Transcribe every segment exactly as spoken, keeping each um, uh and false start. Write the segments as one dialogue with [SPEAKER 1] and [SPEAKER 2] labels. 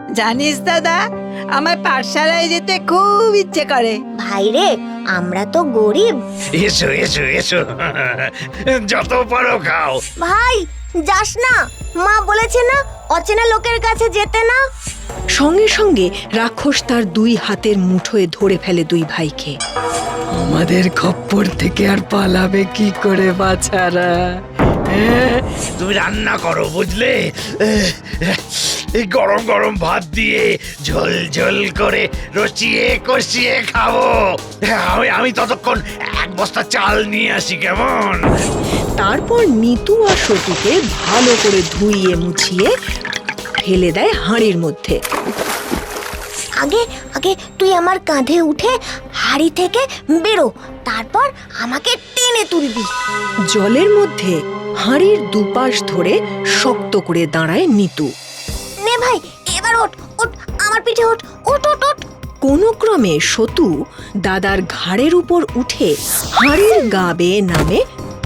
[SPEAKER 1] জানিস দাদা, আমার পাঠশালায় যেতে খুব ইচ্ছে করে।
[SPEAKER 2] ভাই রে, আমরা তো গরিব।
[SPEAKER 3] এসো এসো এসো, যত পারো খাও।
[SPEAKER 2] ভাই যাস না, মা বলেছে না অচেনা লোকের কাছে যেতে না।
[SPEAKER 4] সঙ্গে সঙ্গে রাক্ষস তার দুই হাতের মুঠোয় ধরে ফেলে দুই ভাইকে। আমাদের খপ্পর থেকে আর পালাবে কি করে বাছারা?
[SPEAKER 3] তুমি রান্না করো, বুঝলে? এই গরম গরম ভাত দিয়ে ঝোল ঝোল করে রচিয়ে কষিয়ে খাবো। আমি আমি ততক্ষণ এক বস্তা চাল নিয়ে আসি, কেমন?
[SPEAKER 4] তারপর নিতু আর সতুকে ভালো করে ধুইয়ে মুছিয়ে ফেলে দেয় হাঁড়ির মধ্যে।
[SPEAKER 2] আগে আগে তুই আমার কাঁধে উঠে হাড়ি থেকে বেরো, তারপর আমাকে টেনে তুলবি।
[SPEAKER 4] জলের মধ্যে হাঁড়ির দুপাশ ধরে শক্ত করে দাঁড়ায় নিতু।
[SPEAKER 2] নে ভাই, এবার ওঠ ওঠ, আমার পিঠে ওঠ ওঠ ওঠ ওঠ।
[SPEAKER 4] কোনো ক্রমে সতু দাদার ঘাড়ের উপর উঠে হাঁড়ির গা বেয়ে নামে।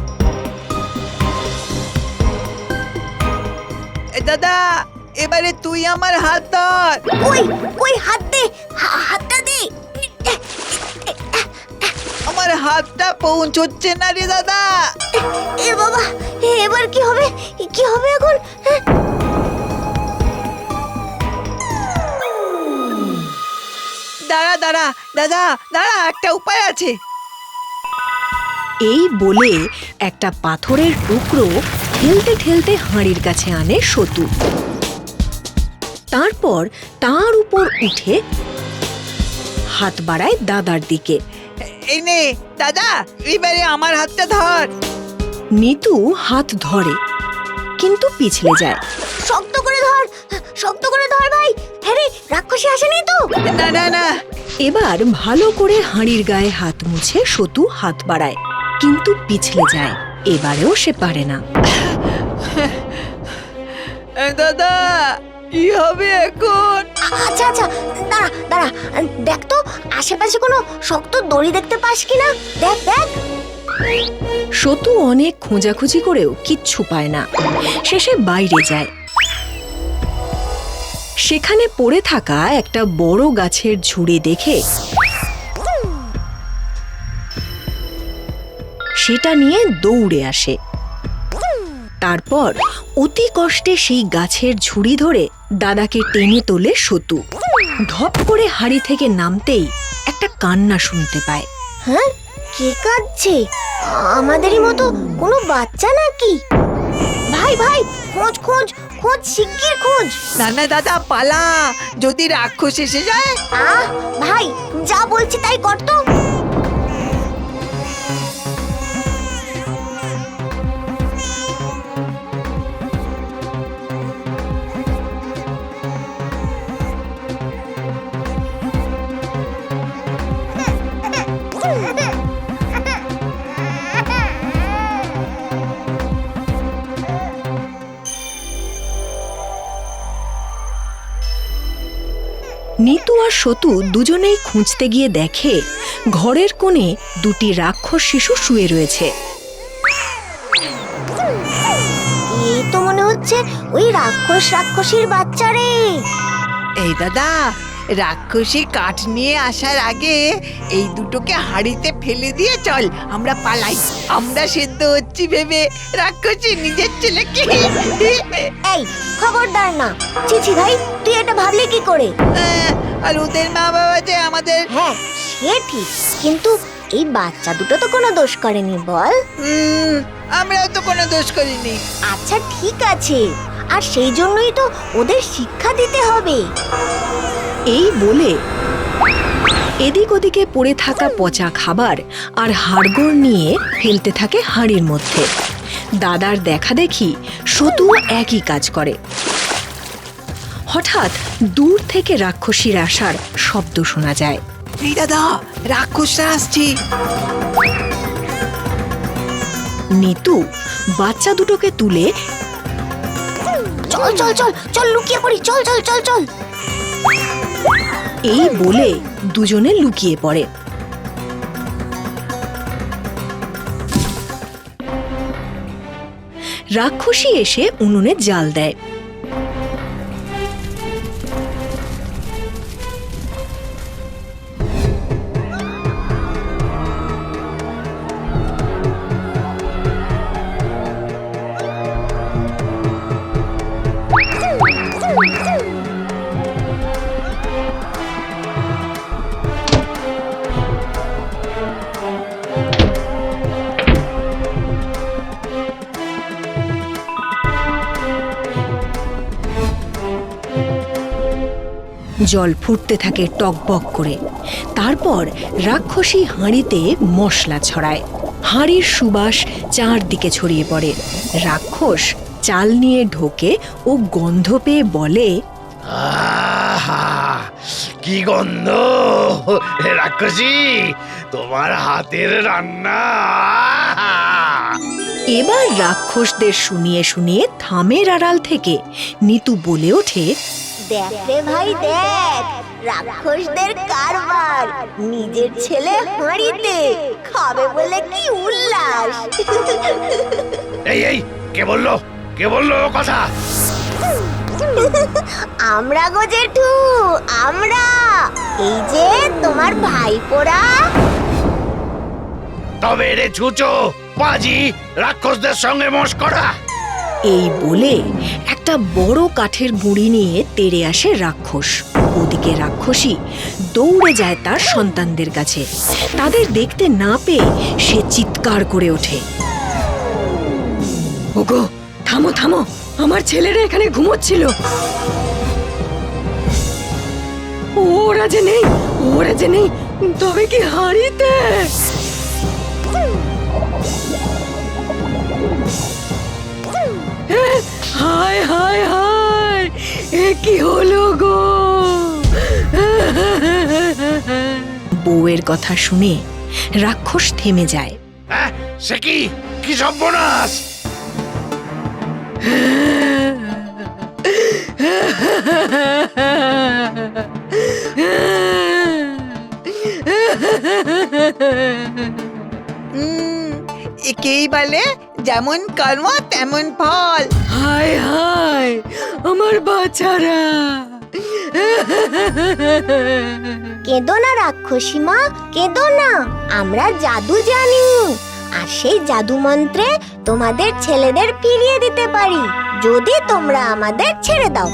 [SPEAKER 1] এ দাদা, এবারে তুই আমার হাত ধর।
[SPEAKER 2] ওই ওই হাত দে, হা- হাতটা দে।
[SPEAKER 1] আমার হাতটা পৌঁছচ্ছে না রে দাদা।
[SPEAKER 2] এ বাবা, এবার কি হবে? কি হবে এখন? হ্যাঁ?
[SPEAKER 1] দাঁড়া দাঁড়া দাদা, দাঁড়া, একটা উপায় আছে।
[SPEAKER 4] এই বলে একটা পাথরের টুকরো ঠেলতে ঠেলতে হাঁড়ির কাছে আনে সতু। তারপর তার উপর উঠে হাত বাড়ায় দাদার দিকে।
[SPEAKER 1] এই নে দাদা, এবারে আমার হাতটা ধর।
[SPEAKER 4] নিতু হাত ধরে, কিন্তু পিছলে যায়।
[SPEAKER 2] শক্ত করে ধর, শক্ত করে ধর ভাই। হ্যাঁ রে, রাক্ষসী আসেনি তো?
[SPEAKER 1] না না না,
[SPEAKER 4] এবার ভালো করে হাঁড়ির গায়ে হাত মুছে সতু হাত বাড়ায়, কিন্তু পিছলে যায়। এবারেও সে পারে না।
[SPEAKER 1] এ দাদা, কি হবে এখন?
[SPEAKER 2] আচ্ছা আচ্ছা, দাঁড়া দাঁড়া, দেখ তো আশেপাশে কোনো শক্ত দড়ি দেখতে পাস কিনা। দেখ দেখ।
[SPEAKER 4] সতু অনেক খোঁজাখুঁজি করেও কিচ্ছু পায় না। শেষে বাইরে যায়। সেখানে পড়ে থাকা একটা বড় গাছের ঝুড়ি দেখে সেটা নিয়ে দৌড়ে আসে। তারপর অতি কষ্টে সেই গাছের ঝুড়ি ধরে দাদাকে টেনে তোলে সতু। ধপ করে হাড়ি থেকে নামতেই একটা কান্না শুনতে পায়।
[SPEAKER 2] হ্যাঁ, কে কাঁদছে? আমাদেরই মতো কোনো বাচ্চা নাকি? ভাই ভাই, খোঁজ খোঁজ খোঁজ, শিগগির খোঁজ।
[SPEAKER 1] না না দাদা, পালা, যদি রাক্ষস এসে যায়।
[SPEAKER 2] আহ ভাই, যা বলছি তাই কর তো।
[SPEAKER 4] নিতু আর সতু দুজনেই খুঁজতে গিয়ে দেখে ঘরের কোণে দুটি রাক্ষস শিশু শুয়ে রয়েছে।
[SPEAKER 2] এই তো মনে হচ্ছে ওই রাক্ষস রাক্ষসীর বাচ্চা রে।
[SPEAKER 1] এই দাদা, রাক্ষসী কাঠ নিয়ে আসার আগে এই দুটোকে হাড়িতে ফেলে দিয়ে চল, আমরা পালাই। আমরা সেদ্ধ হচ্ছি ভেবে রাক্ষসী নিজের ছেলেকে।
[SPEAKER 2] এই খবরদার না। চিচি ভাই, তুই এটা ভাবলি কি করে?
[SPEAKER 1] আহ, আর ওদের মা বাবা যে আমাদের।
[SPEAKER 2] হ্যাঁ সে ঠিক, কিন্তু এই বাচ্চা দুটো তো কোনো দোষ করেনি বল।
[SPEAKER 1] উম, আমরাও তো কোনো দোষ করিনি।
[SPEAKER 2] আচ্ছা ঠিক আছে, আর সেই জন্যই তো ওদের শিক্ষা দিতে হবে।
[SPEAKER 4] এই বলে এদিক ওদিকে পড়ে থাকা পচা খাবার আর হাড়গোড় নিয়ে ফেলতে থাকে হাঁড়ির মধ্যে। দাদার দেখা দেখি সতু একই কাজ করে। হঠাৎ দূর থেকে রাক্ষসীর আসার শব্দ শোনা যায়।
[SPEAKER 1] এই দাদা, রাক্ষসরা আসছে।
[SPEAKER 4] নিতু বাচ্চা দুটোকে তুলে
[SPEAKER 2] চল চল চল চল, লুকিয়ে পড়ি, চল চল চল চল।
[SPEAKER 4] এই বলে দুজনে লুকিয়ে পড়ে। রাক্ষসী এসে উনুনে জাল দেয়। জল ফুটতে থাকে টকবক করে। তারপর রাক্ষসী হাঁড়িতে মশলা ছড়ায়। হাঁড়ির সুবাস চারদিকে ছড়িয়ে পড়ে। রাক্ষস চাল নিয়ে ঢোকে ও গন্ধ পেয়ে বলে,
[SPEAKER 3] আহা, কি গন্ধ রাক্ষসী, তোমার হাতের রান্না। আহা!
[SPEAKER 4] এবার রাক্ষসদের শুনিয়ে শুনিয়ে থামের আড়াল থেকে নিতু বলে ওঠে,
[SPEAKER 2] দেখ রে ভাই দেখ, রাক্ষসদের কারবার, নিজের ছেলে হাঁড়িতে খাবে বলে কি উল্লাস।
[SPEAKER 3] এই এই কে বললো, কে বললো ও কথা?
[SPEAKER 2] আমরা গো জেঠু, আমরা, এই যে তোমার ভাইপোরা।
[SPEAKER 3] তবে রে ছুচো পাজি, রাক্ষসদের সঙ্গে মস্করা।
[SPEAKER 4] এই বলে একটা বড় কাঠের গুঁড়ি নিয়ে তেড়ে আসে রাক্ষস। ওদিকে রাক্ষসী দৌড়ে যায় তার সন্তানদের কাছে। তাদের দেখতে না পেয়ে সে চিৎকার করে ওঠে, ওগো থামো থামো, আমার ছেলেরা এখানে ঘুমোচ্ছিল। ওরা যে নেই, ওরা যে নেই, তবে কি হাঁড়িতে? হায় হায় হায়, এ কি হলো গো? বউয়ের কথা শুনে রাক্ষস থেমে যায়।
[SPEAKER 3] হ্যাঁ, সে কি, কি সর্বনাশ!
[SPEAKER 1] উম, একেই বলে যেমন কর্ম তেমন ফল।
[SPEAKER 4] হায় হায়, আমার বাচ্চারা!
[SPEAKER 2] কেঁদো না রাক্ষসী মা, কেঁদো না, আমরা জাদু জানি, আর সেই জাদু মন্ত্রে তোমাদের ছেলেদের ফিরিয়ে দিতে পারি, যদি তোমরা আমাদের ছেড়ে দাও।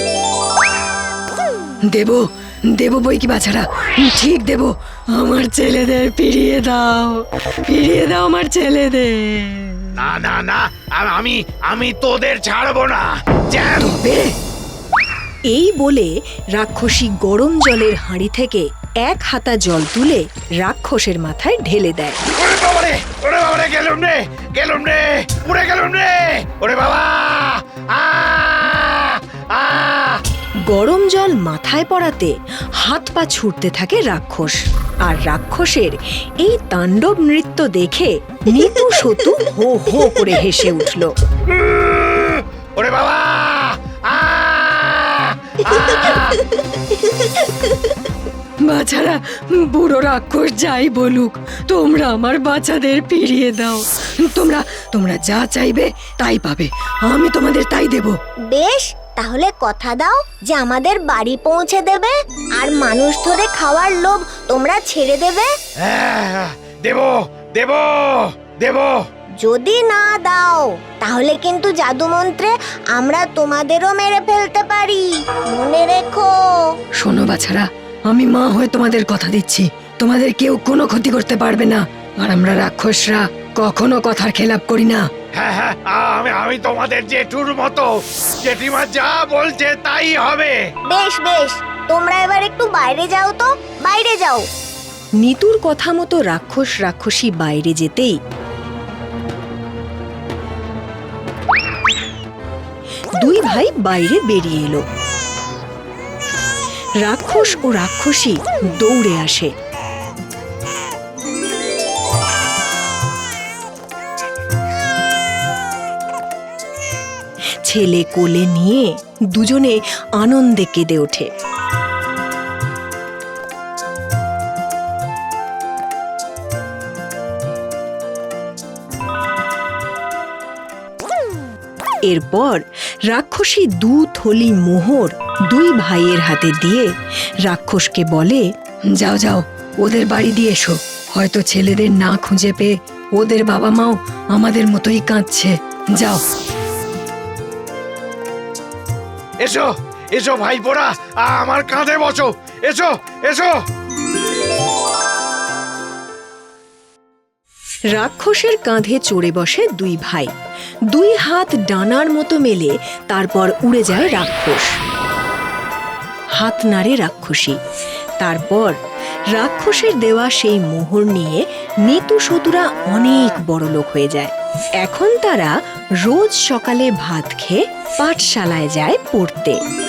[SPEAKER 4] দেব দেব বই কি বাছারা, ঠিক দেব, আমার ছেলেদের ফিরিয়ে দাও, ফিরিয়ে দাও আমার ছেলেদের।
[SPEAKER 3] না না না, আ- আমি আমি তোদের ছাড়বো না। জ্যাম!
[SPEAKER 4] তবে এই বলে রাক্ষসী গরম জলের হাঁড়ি থেকে এক হাতা জল তুলে রাক্ষসের মাথায় ঢেলে দেয়।
[SPEAKER 3] ওরে বাবারে, ওরে বাবারে, গেলুম রে, গেলুম রে, উড়ে গেলুম রে, ওরে বাবা! আ আ
[SPEAKER 4] গরম জল মাথায় পড়াতে হাত পা ছুটতে থাকে রাক্ষস। আর রাক্ষসের এই তাণ্ডব নৃত্য দেখে নিতু সতু হো হো করে হেসে উঠল।
[SPEAKER 3] ওরে বাবা! আ আ
[SPEAKER 4] বাছারা, বুড়ো রাক্ষস যাই বলুক, তোমরা আমার বাচ্চাদের ফিরিয়ে দাও। তোমরা তোমরা যা চাইবে তাই পাবে, আমি তোমাদের তাই দেব।
[SPEAKER 2] বেশ, তাহলে কথা দাও যে আমাদের বাড়ি পৌঁছে দেবে, আর মানুষ ধরে খাওয়ার লোভ তোমরা ছেড়ে দেবে।
[SPEAKER 3] হ্যাঁ, দেব দেব দেব।
[SPEAKER 2] যদি না দাও তাহলে কিন্তু জাদু মন্ত্রে আমরা তোমাদেরও মেরে ফেলতে পারি, মনে রেখো।
[SPEAKER 4] শোনো বাছারা, আমি মা হয়ে তোমাদের কথা দিচ্ছি, তোমাদের কেউ কোনো ক্ষতি করতে পারবে না, আর আমরা রাক্ষসরা কখনো কথার খেলাপ করি না।
[SPEAKER 3] হ্যাঁ হ্যাঁ, আমি আমি তোমাদের জেঠুর মতো, জেঠিমা যা বলছে তাই হবে।
[SPEAKER 2] বেশ বেশ, তোমরা এবার একটু বাইরে যাও তো, বাইরে যাও।
[SPEAKER 4] নিতুর কথা মতো রাক্ষস রাক্ষসী বাইরে যেতেই দুই ভাই বাইরে বেরিয়ে এলো। রাক্ষস ও রাক্ষসী দৌড়ে আসে। ছেলে কোলে নিয়ে দুজনে আনন্দে কেঁদে ওঠে। এরপর রাক্ষসী দু থলি মোহর দুই ভাইয়ের হাতে দিয়ে রাক্ষসকে বলে, যাও যাও, ওদের বাড়ি দিয়ে এসো, হয়তো ছেলেদের না খুঁজে পেয়ে ওদের বাবা মাও আমাদের মতোই কাঁদছে, যাও।
[SPEAKER 3] এসো এসো ভাইপোরা, আমার কাঁধে বসো, এসো এসো।
[SPEAKER 4] রাক্ষসের কাঁধে চড়ে বসে দুই ভাই, দুই হাত ডানার মতো মেলে তারপর উড়ে যায় রাক্ষস। হাত নাড়ে রাক্ষসী। তারপর রাক্ষসের দেওয়া সেই মোহর নিয়ে নিতু সতুরা অনেক বড় লোক হয়ে যায়। এখন তারা রোজ সকালে ভাত খেয়ে পাঠশালায় যায় পড়তে।